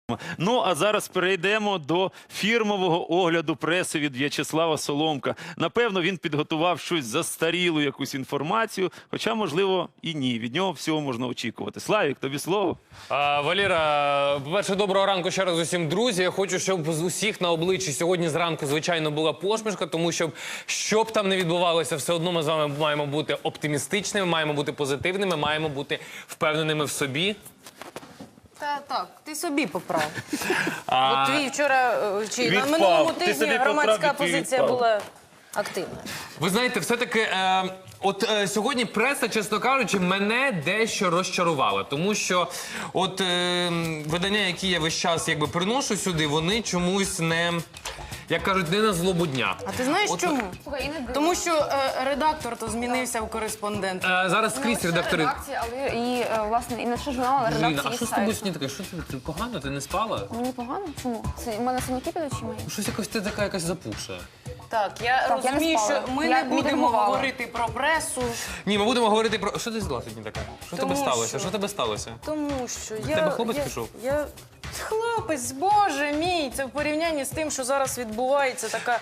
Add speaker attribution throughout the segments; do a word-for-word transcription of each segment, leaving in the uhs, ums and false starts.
Speaker 1: Ну, а зараз перейдемо до фірмового огляду преси від В'ячеслава Соломка. Напевно, він підготував щось застарілу, якусь інформацію, хоча, можливо, і ні. Від нього всього можна очікувати. Славік, тобі слово.
Speaker 2: А, Валера, по-перше, доброго ранку ще раз усім, друзі. Я хочу, щоб з усіх на обличчі сьогодні зранку, звичайно, була посмішка, тому що, що б там не відбувалося, все одно ми з вами маємо бути оптимістичними, маємо бути позитивними, маємо бути впевненими в собі.
Speaker 3: Та так, ти собі поправ.
Speaker 2: А...
Speaker 3: От твій вчора, е, чи на
Speaker 1: Відпав.
Speaker 3: минулому
Speaker 1: Ти
Speaker 3: тижні
Speaker 1: собі
Speaker 3: громадська
Speaker 1: поправ, і твій
Speaker 3: позиція
Speaker 1: відпав.
Speaker 3: була активна.
Speaker 2: Ви знаєте, все-таки, е, от е, сьогодні преса, чесно кажучи, мене дещо розчарувала. Тому що от е, видання, які я весь час якби приношу сюди, вони чомусь не, як кажуть, не на злобу дня.
Speaker 3: А ти знаєш
Speaker 2: От,
Speaker 3: чому? Тому що е, редактор то змінився в кореспондент.
Speaker 2: Е, зараз скрізь редактори...
Speaker 4: Редакції, але і, е, власне, і не лише журнал, але
Speaker 2: Жина,
Speaker 4: редакції
Speaker 2: а що з
Speaker 4: сайту.
Speaker 2: тобою сьогодні таке? Що ти, ти погано? Ти не спала?
Speaker 4: Мені погано? Чому? Це у мене синяки під очима є.
Speaker 2: Щось якось ти така якась запухша.
Speaker 3: Так, я
Speaker 4: Так, я не
Speaker 3: розумію,
Speaker 4: спала.
Speaker 3: що ми
Speaker 4: Я
Speaker 3: не будемо
Speaker 4: відреагувала.
Speaker 3: говорити про пресу,
Speaker 2: Ні, ми будемо говорити про... Що ти зла сьогодні така? Що
Speaker 3: Тому
Speaker 2: тебе сталося?
Speaker 3: що-
Speaker 2: Що тебе сталося?
Speaker 3: тому що я...
Speaker 2: тебе хлопець
Speaker 3: я,
Speaker 2: пішов?
Speaker 3: Я... Хлопець, боже мій, це в порівнянні з тим, що зараз відбувається така...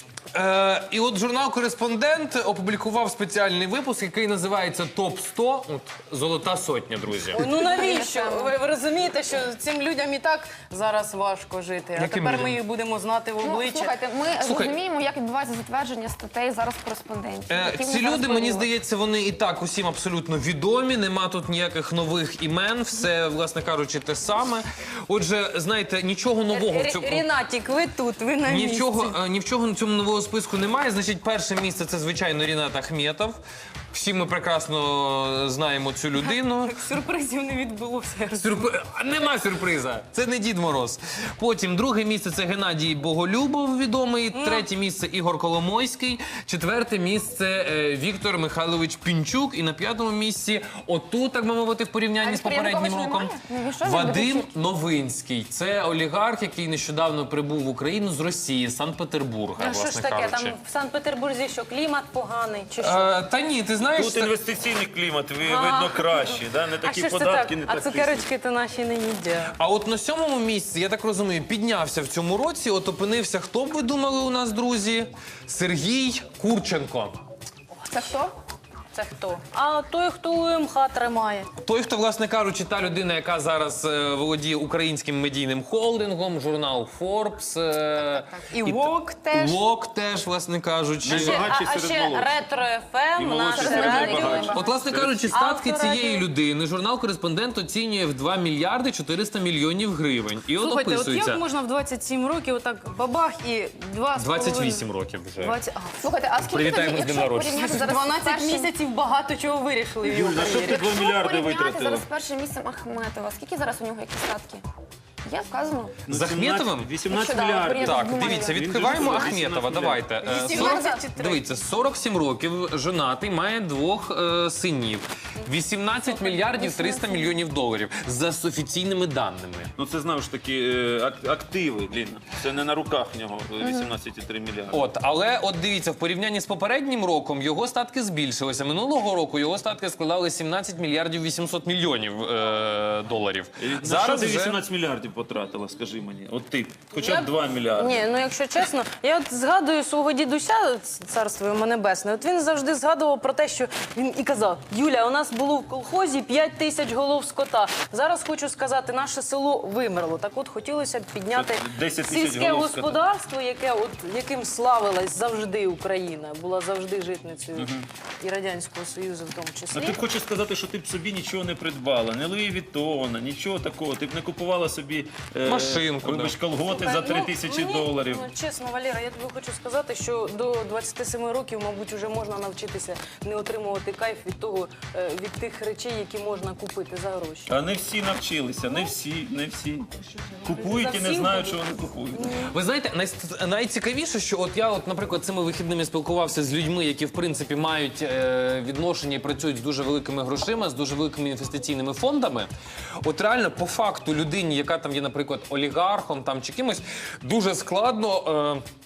Speaker 2: Е, і от журнал «Кореспондент» опублікував спеціальний випуск, який називається «Топ сто». От, золота сотня, друзі.
Speaker 3: Ну навіщо? Ви, ви розумієте, що цим людям і так зараз важко жити, а
Speaker 2: Яким
Speaker 3: тепер
Speaker 2: людям?
Speaker 3: ми їх будемо знати в
Speaker 4: Ну,
Speaker 3: обличчя.
Speaker 4: слухайте, ми
Speaker 2: Слухай.
Speaker 4: розуміємо, як відбувається затвердження статей зараз кореспондентів.
Speaker 2: Е,
Speaker 4: які
Speaker 2: ці
Speaker 4: вони зараз
Speaker 2: люди, мені
Speaker 4: проводять.
Speaker 2: здається, вони і так усім абсолютно відомі, нема тут ніяких нових імен, все, власне кажучи, те саме. Отже, знаєте, нічого нового в цьому...
Speaker 3: Рінатік, ви тут, ви на
Speaker 2: Ні в,
Speaker 3: місці.
Speaker 2: чого, е, ні в чого на цьому нового списку немає. Значить, перше місце – це, звичайно, Рінат Ахметов. Всі ми прекрасно знаємо цю людину.
Speaker 3: Сюрпризів не відбулося.
Speaker 2: Сюрпри... Нема сюрприза. Це не Дід Мороз. Потім друге місце – це Геннадій Боголюбов, відомий. Третє місце – Ігор Коломойський. Четверте місце е, – Віктор Михайлович Пінчук. І на п'ятому місці, отут, так би мовити, в порівнянні
Speaker 4: А
Speaker 2: з попереднім
Speaker 4: Януковича
Speaker 2: роком,
Speaker 4: немає? Навіщо він
Speaker 2: Вадим
Speaker 4: любить
Speaker 2: Новинський. Це олігарх, який нещодавно прибув в Україну з Росії, з Санкт-Петербурга,
Speaker 3: А що
Speaker 2: власне
Speaker 3: ж таке,
Speaker 2: кажучи.
Speaker 3: там в Санкт-Петербурзі що, клімат поганий, чи що?
Speaker 2: Е, та ні, ти знаєш...
Speaker 1: Тут
Speaker 2: це-
Speaker 1: інвестиційний клімат, ви- видно, кращий. Да? Не
Speaker 3: А
Speaker 1: такі
Speaker 3: що ж це
Speaker 1: податки,
Speaker 3: так?
Speaker 1: не
Speaker 3: А
Speaker 1: так
Speaker 3: цукерочки то наші не їдять.
Speaker 2: А от на сьомому місці, я так розумію, піднявся в цьому році, от опинився, хто б ви думали у нас, друзі? Сергій Курченко.
Speaker 4: Це хто?
Speaker 3: Це хто? А той, хто У М Х тримає.
Speaker 2: Той, хто, власне кажучи, та людина, яка зараз е, володіє українським медійним холдингом, журнал Forbes. Е,
Speaker 3: І Вок теж.
Speaker 2: Вок теж, власне кажучи.
Speaker 1: Ще-
Speaker 3: А,
Speaker 1: Багатші
Speaker 3: а
Speaker 1: серед
Speaker 3: ще
Speaker 1: молодших.
Speaker 3: Ретро Ф
Speaker 1: І
Speaker 3: М,
Speaker 1: молодші
Speaker 3: наше
Speaker 1: серед
Speaker 3: радіо.
Speaker 1: найбагатших.
Speaker 2: От, власне кажучи, статки
Speaker 3: Авторадіо.
Speaker 2: цієї людини журнал «Кореспондент» оцінює в два мільярди чотириста мільйонів гривень. І от
Speaker 3: Слухайте, от
Speaker 2: описується.
Speaker 3: як можна в двадцять сім років отак бабах і два з
Speaker 2: двадцять
Speaker 3: половиною-
Speaker 2: вісім років вже.
Speaker 3: двадцять- а,
Speaker 4: Слухайте, а скільки
Speaker 2: Привітаємо
Speaker 4: тоді,
Speaker 2: з днем
Speaker 4: якщо
Speaker 2: народження.
Speaker 4: порівняти зараз з
Speaker 3: дванадцять
Speaker 4: першим...
Speaker 3: місяців багато чого вирішили в його
Speaker 1: На що
Speaker 3: кар'єрі.
Speaker 1: ти два
Speaker 4: Якщо
Speaker 1: мільярди
Speaker 4: порівняти
Speaker 1: витратила?
Speaker 4: зараз з першим місцем Ахметова, скільки зараз у нього які статки? Є вказано?
Speaker 1: Ну,
Speaker 2: З Ахметовим?
Speaker 1: вісімнадцять
Speaker 4: Якщо, да,
Speaker 1: мільярдів.
Speaker 4: порівняти
Speaker 2: Так,
Speaker 4: з двома
Speaker 2: дивіться,
Speaker 4: мільярдами.
Speaker 2: відкриваємо
Speaker 1: Він же
Speaker 2: Ахметова,
Speaker 1: вісімнадцять
Speaker 2: давайте. Е,
Speaker 3: вісімнадцять
Speaker 2: сорок
Speaker 3: чи три?
Speaker 2: Дивіться, сорок сім років, женатий, має двох е, синів. вісімнадцять мільярдів триста мільйонів доларів за офіційними даними.
Speaker 1: Ну це, знову ж таки, е, ак- активи, Ліна. Це не на руках в нього вісімнадцять цілих три мільярди.
Speaker 2: От, але от дивіться, в порівнянні з попереднім роком його статки збільшилися. Минулого року його статки складали сімнадцять мільярдів вісімсот мільйонів е, доларів.
Speaker 1: На що ти
Speaker 2: вже-
Speaker 1: вісімнадцять мільярдів потратила, скажи мені? От ти, хоча
Speaker 3: Я
Speaker 1: б
Speaker 3: б-
Speaker 1: два мільярди.
Speaker 3: Ні, ну якщо чесно, я от згадую свого дідуся, царство йому небесне. От він завжди згадував про те, що він і казав: Юля, у нас було в колхозі п'ять тисяч голов скота. Зараз хочу сказати, наше село вимерло. Так от хотілося б підняти
Speaker 1: десять тисяч
Speaker 3: сільське
Speaker 1: голов скота.
Speaker 3: господарство, яке от яким славилась завжди Україна, була завжди житницею і Радянського Союзу в тому
Speaker 1: А
Speaker 3: числі.
Speaker 1: ти б хочеш сказати, що ти б собі нічого не придбала, не Луї Віттона, нічого такого. Ти б не купувала собі е,
Speaker 2: Машинку,
Speaker 1: вибач,
Speaker 2: да.
Speaker 1: колготи за три тисячі
Speaker 3: мені,
Speaker 1: доларів.
Speaker 3: Ну, чесно, Валера, я тобі хочу сказати, що до двадцяти семи років, мабуть, вже можна навчитися не отримувати кайф від того, е, від тих речей, які можна купити за гроші.
Speaker 1: А не всі навчилися, не всі, не всі. Купують і не
Speaker 3: всіх
Speaker 1: знають,
Speaker 3: будуть?
Speaker 1: що вони купують.
Speaker 2: Ви знаєте, най- найцікавіше, що от я, от, наприклад, цими вихідними спілкувався з людьми, які в принципі мають е, відношення і працюють з дуже великими грошима, з дуже великими інвестиційними фондами. От реально, по факту, людині, яка там є, наприклад, олігархом там чи кимось, дуже складно. Е,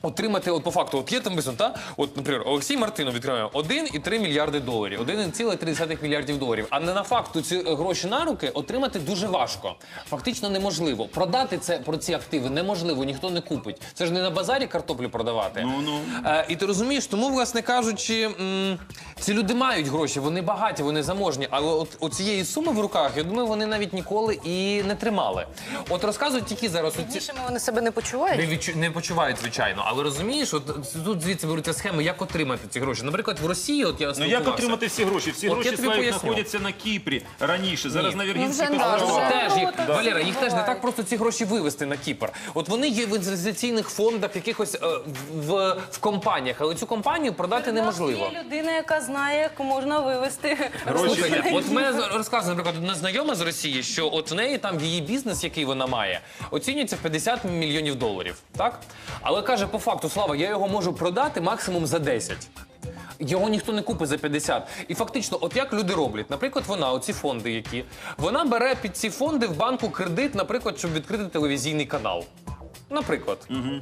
Speaker 2: отримати, от по факту, от є там висновок, та? От, наприклад, Олексій Мартинов відкриває один і три мільярди доларів, один цілих три десятих мільярдів доларів. А не на факту ці гроші на руки отримати дуже важко. Фактично неможливо. Продати це, про ці активи неможливо, ніхто не купить. Це ж не на базарі картоплю продавати.
Speaker 1: Ну, ну.
Speaker 2: Е, і ти розумієш, тому, власне кажучи, м, ці люди мають гроші, вони багаті, вони заможні, але от, от цієї суми в руках, я думаю, вони навіть ніколи і не тримали. От розказують тільки зараз... Оці...
Speaker 3: Більше вони себе не почувають.
Speaker 2: Не, відчу... не почувають, звичайно. Але розумієш, от тут звідси беруться схеми, як отримати ці гроші. Наприклад, в Росії, от я
Speaker 1: Ну
Speaker 2: спілкувався.
Speaker 1: як отримати всі гроші? Всі
Speaker 2: От
Speaker 1: гроші
Speaker 2: я тобі
Speaker 1: Славік,
Speaker 2: поясню.
Speaker 1: знаходяться на Кіпрі раніше. Зараз
Speaker 2: Ні.
Speaker 1: на Віргінських
Speaker 4: Ну, вже не
Speaker 1: островах.
Speaker 4: дуже.
Speaker 2: Теж їх,
Speaker 3: Да.
Speaker 2: Валера, їх теж не
Speaker 3: Буває.
Speaker 2: так просто ці гроші вивести на Кіпр. От вони є в інвестиційних фондах, якихось е, в, в компаніях, але цю компанію продати неможливо.
Speaker 3: Є людина, яка знає, як можна вивести
Speaker 1: Гроші.
Speaker 2: Слухайте, от мене розказує, наприклад, одна знайома з Росії, що от в неї там її бізнес, який вона має, оцінюється в п'ятдесят мільйонів доларів. Так? Але каже, по факту, Слава, я його можу продати максимум за десять. Його ніхто не купить за п'ятдесят. І фактично, от як люди роблять? Наприклад, вона, оці фонди які, вона бере під ці фонди в банку кредит, наприклад, щоб відкрити телевізійний канал. Наприклад.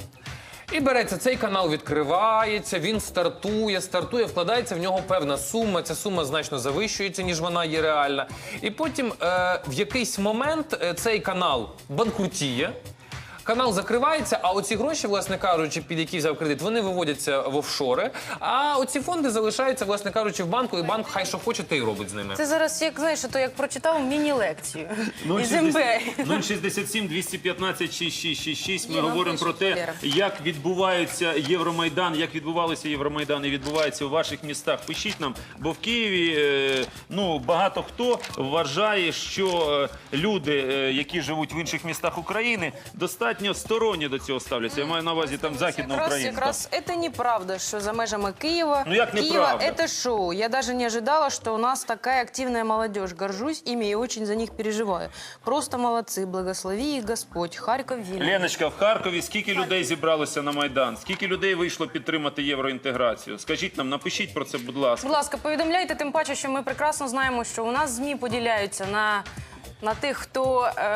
Speaker 2: І береться, цей канал відкривається, він стартує, стартує, вкладається в нього певна сума, ця сума значно завищується, ніж вона є реальна. І потім е, в якийсь момент е, цей канал банкрутіє, канал закривається, а оці гроші, власне кажучи, під які взяв кредит, вони виводяться в офшори, а оці фонди залишаються, власне кажучи, в банку, і банк хай що хоче, те й робить з ними.
Speaker 3: Це зараз, як знаєш, то як прочитав міні-лекцію із ем бе е.
Speaker 1: нуль шістдесят сім двісті п'ятнадцять шість шість шість шість. Ми
Speaker 3: Є, нам
Speaker 1: говоримо про
Speaker 3: пишуть,
Speaker 1: те,
Speaker 3: Віра.
Speaker 1: як відбувається Євромайдан, як відбувалися Євромайдан і відбувається у ваших містах. Пишіть нам, бо в Києві е, ну, багато хто вважає, що е, люди, е, які живуть в інших містах України, достатньо сторонні до цього ставляться. Я маю на увазі там Західна
Speaker 3: Якраз,
Speaker 1: Україна.
Speaker 3: якраз это неправда, что за межами Киева.
Speaker 1: Ну, як
Speaker 3: Киева
Speaker 1: неправда?
Speaker 3: это шоу. Я даже не ожидала, что у нас такая активная молодежь. Горжусь ими и очень за них переживаю. Просто молодцы. Благослови их Господь. Харьков, Вильнюс.
Speaker 1: Леночка, в Харкові скільки людей зібралося на Майдан? Скільки людей вийшло підтримати євроінтеграцію? Скажіть нам, напишіть про це, будь ласка.
Speaker 3: Будь ласка, повідомляйте, тим паче, що ми прекрасно знаємо, що у нас ЗМІ поділяються на, на тих, хто е,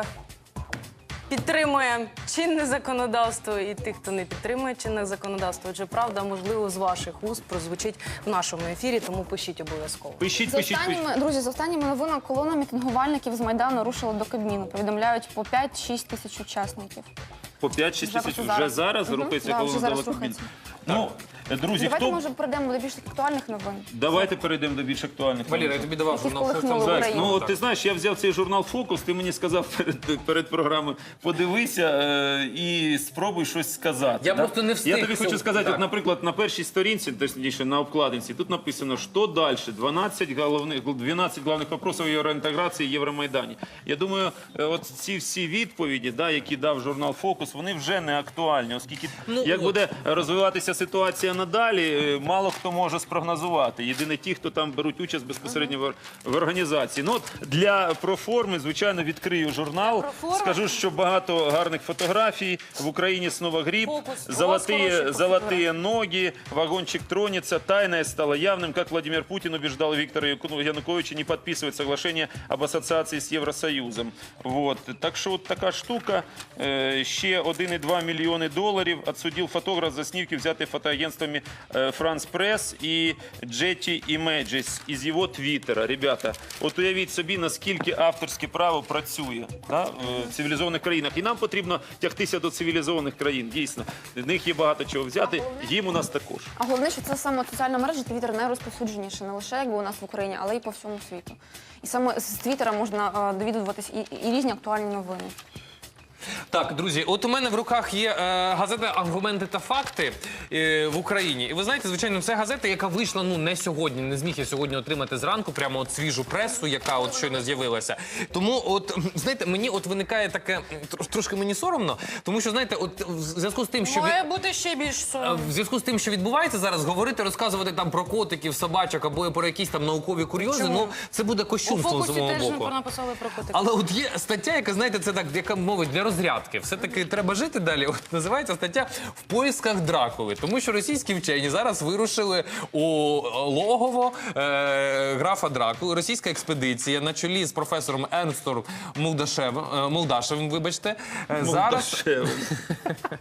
Speaker 3: підтримує чинне законодавство, і тих, хто не підтримує чинне законодавство. Отже, правда, можливо, з ваших уст прозвучить в нашому ефірі, тому пишіть обов'язково.
Speaker 1: Пишіть,
Speaker 4: За
Speaker 1: пишіть, пишіть.
Speaker 4: останніми, друзі, за останніми новинами колона мітингувальників з Майдану рушила до Кабміну. Повідомляють по п'ять-шість тисяч учасників.
Speaker 1: По п'ять-шість
Speaker 4: Вже
Speaker 1: тисяч
Speaker 4: просто
Speaker 1: вже
Speaker 4: зараз.
Speaker 1: зараз
Speaker 4: Мгм.
Speaker 1: рухається,
Speaker 4: Да,
Speaker 1: коли
Speaker 4: вже
Speaker 1: надала
Speaker 4: зараз
Speaker 1: Кабмін.
Speaker 4: рухається.
Speaker 1: Ну, друзі,
Speaker 4: Давайте,
Speaker 1: хто...
Speaker 4: може, перейдемо до більш актуальних новин.
Speaker 1: Давайте перейдемо до більш актуальних.
Speaker 2: Валера, я тобі давав
Speaker 4: Які
Speaker 2: журнал
Speaker 4: вколихнули
Speaker 2: «Фокус».
Speaker 1: Зайць,
Speaker 4: Україну.
Speaker 1: ну от ти знаєш, я взяв цей журнал «Фокус», ти мені сказав перед, перед програмою, подивися е, і спробуй щось сказати.
Speaker 2: Я
Speaker 1: да?
Speaker 2: просто не встиг
Speaker 1: Я тобі хочу
Speaker 2: цього-
Speaker 1: сказати,
Speaker 2: так.
Speaker 1: от, наприклад, на першій сторінці, точніше, на обкладинці, тут написано, що далі, дванадцять головних, дванадцять головних вопросів євроінтеграції в Євромайдані. Я думаю, е, от ці всі відповіді, да, які дав журнал «Фокус», вони вже не актуальні, оскільки
Speaker 2: Ну,
Speaker 1: як
Speaker 2: от.
Speaker 1: буде розвиватися ситуація надалі, е, мало хто може спрогнозувати. Єдине ті, хто там беруть участь безпосередньо в, в організації. Ну, от для проформи, звичайно, відкрию журнал.
Speaker 3: проформи?
Speaker 1: Скажу, що багато гарних фотографій. В Україні снова грипп,
Speaker 3: Фокус. У вас
Speaker 1: золотые,
Speaker 3: хорошие
Speaker 1: золотые ноги, вагончик тронется. Тайное стало явным, как Владимир Путин убеждал Виктора Яку- Януковича не подписывать соглашение об ассоциации с Євросоюзом. Вот. Так що от така штука. Е, ще один і два мільйони доларів отсудив фотограф за знімки, взяті фотоагентствами е, France Press і Jetty Images із його твіттера. Ребята, от уявіть собі, наскільки авторське право працює, да, в цивілізованих країнах. І нам потрібно тягтися до цивілізованих країн, дійсно. В них є багато чого взяти, їм у нас також.
Speaker 4: А головне, що це саме соціальна мережа Твіттер найрозповсюдженіше не лише якби у нас в Україні, але й по всьому світу. І саме з Твіттера можна е, довідуватись і, і різні актуальні новини.
Speaker 2: Так, друзі, от у мене в руках є е, газета «Аргументи та факти» е, в Україні. І ви знаєте, звичайно, це газета, яка вийшла ну не сьогодні, не зміг я сьогодні отримати зранку, прямо от свіжу пресу, яка от щойно з'явилася. Тому, от знаєте, мені от виникає таке трош- трошки мені соромно, тому що знаєте, от в зв'язку з тим, що
Speaker 3: Має
Speaker 2: від-
Speaker 3: бути ще більш
Speaker 2: е,
Speaker 3: соромно.
Speaker 2: в зв'язку з тим, що відбувається зараз, говорити, розказувати там про котиків, собачок або про якісь там наукові курйози,
Speaker 3: Чому?
Speaker 2: ну це буде
Speaker 3: У
Speaker 2: кощунством з
Speaker 3: «Фокусі»
Speaker 2: мого
Speaker 3: теж
Speaker 2: боку.
Speaker 3: написали про котика.
Speaker 2: Але от є стаття, яка, знаєте, це так, яка мовить для розрядки. Все-таки треба жити далі. От називається стаття «В поисках Дракули». Тому що російські вчені зараз вирушили у логово е, графа Дракули. Російська експедиція на чолі з професором Енстор Молдашевим, е, Молдашевим, вибачте, е, зараз...
Speaker 1: Молдашевим.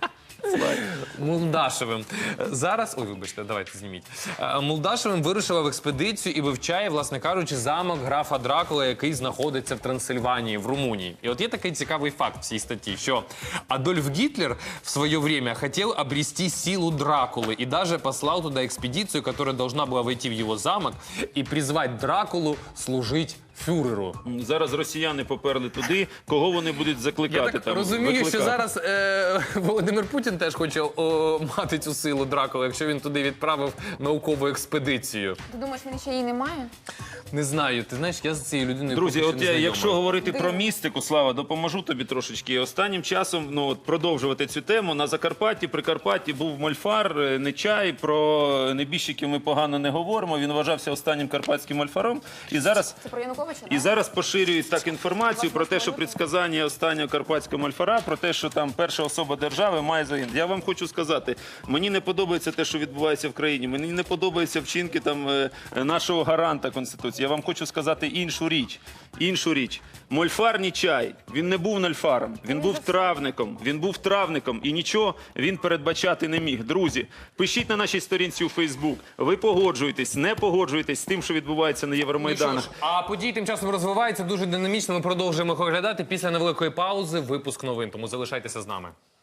Speaker 2: Мулдашевим. Зараз, ой, вибачте, давайте зніміть. Е, Мулдашевим вирушила в експедицію і вивчає, власне кажучи, замок графа Дракула, який знаходиться в Трансильванії, в Румунії. І от є такий цікавий факт в цій статті, що Адольф Гитлер в своє время хотел обрести силу Дракулы и даже послал туда экспедицию, которая должна была войти в его замок и призвать Дракулу служить фюреру.
Speaker 1: Зараз росіяни поперли туди, кого вони будуть закликати
Speaker 2: Я так
Speaker 1: там.
Speaker 2: розумію,
Speaker 1: викликати.
Speaker 2: що зараз е, Володимир Путін теж хоче о, мати цю силу Дракули, якщо він туди відправив наукову експедицію.
Speaker 4: Ти думаєш, він ще її не має?
Speaker 2: Не знаю, ти знаєш, я з цією людиною
Speaker 1: Друзі,
Speaker 2: поки
Speaker 1: от
Speaker 2: що
Speaker 1: я,
Speaker 2: не
Speaker 1: якщо
Speaker 2: знайомий.
Speaker 1: говорити про містику, Слава, допоможу тобі трошечки. Останнім часом, ну от продовжувати цю тему, на Закарпатті, Прикарпатті був мольфар, е, Нечай. Про небіжчиків ми погано не говоримо. Він вважався останнім карпатським мольфаром. І зараз
Speaker 4: Це про Януковича,
Speaker 1: І
Speaker 4: да?
Speaker 1: зараз поширюють так інформацію про те, що предсказання останнього карпатського мольфара, про те, що там перша особа держави має загинути. Я вам хочу сказати, мені не подобається те, що відбувається в країні. Мені не подобаються вчинки там е, нашого гаранта Конституції. Я вам хочу сказати іншу річ. Іншу річ. Мольфар Нечай, він не був нольфаром, він був травником. Він був травником і нічого він передбачати не міг. Друзі, пишіть на нашій сторінці у Фейсбук. Ви погоджуєтесь, не погоджуєтесь з тим, що відбувається на
Speaker 2: Ну, що
Speaker 1: Євромайданах.
Speaker 2: ж, а події тим часом розвиваються дуже динамічно. Ми продовжуємо їх оглядати після невеликої паузи. Випуск новин. Тому залишайтеся з нами.